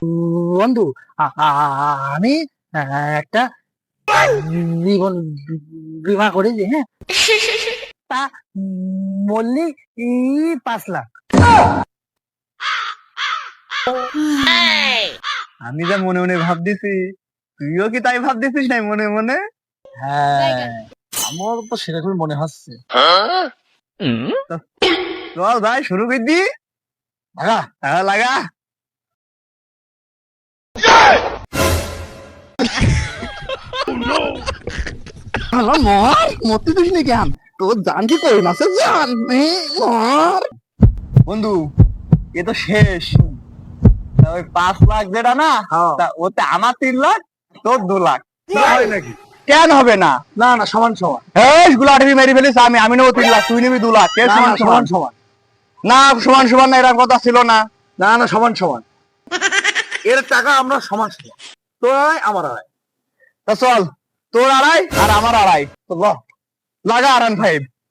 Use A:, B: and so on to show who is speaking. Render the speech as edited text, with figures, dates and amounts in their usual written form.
A: বন্ধু, আমি একটা জীবন বিমা করেছি, হ্যাঁ। তা মূল্যে 5 লাখ।
B: আমি যা মনে মনে ভাবতেছি, তুইও কি তাই ভাবতেছিস নাই মনে মনে?
A: হ্যাঁ, আমার তো সেরকমই মনে হচ্ছে।
B: চল ভাই শুরু করে দি।
A: লাগা।
B: হ্যাঁ লাগা।
A: হ্যালো, মর মরতে দিস নি কেন? তোর জান কি কই মাসে জান মর।
B: বন্ধু এ তো শেষ। তা ওই 5 লাখ যেটা না,
A: হ্যাঁ।
B: তা ওতে আমার 3 লাখ, তোর 2 লাখ।
A: হয় নাকি?
B: কেন হবে না?
A: না না, সমান সমান।
B: এই গুলাটি মেরে ফেলিস, আমি নেবো 3 লাখ, তুই নিবি 2 লাখ। কে
A: না
B: সমান
A: না,
B: সমান?
A: সমান সমান।
B: না সমান সমান না, এরকম কথা ছিল না।
A: না না, সমান সমান। এর টাকা আমরা সমান সমান। তোর আড়াই, আমার আড়াই।
B: তা চল, তোর 2.5 আর আমার 2.5।
A: তো ল।
B: লাগা R15।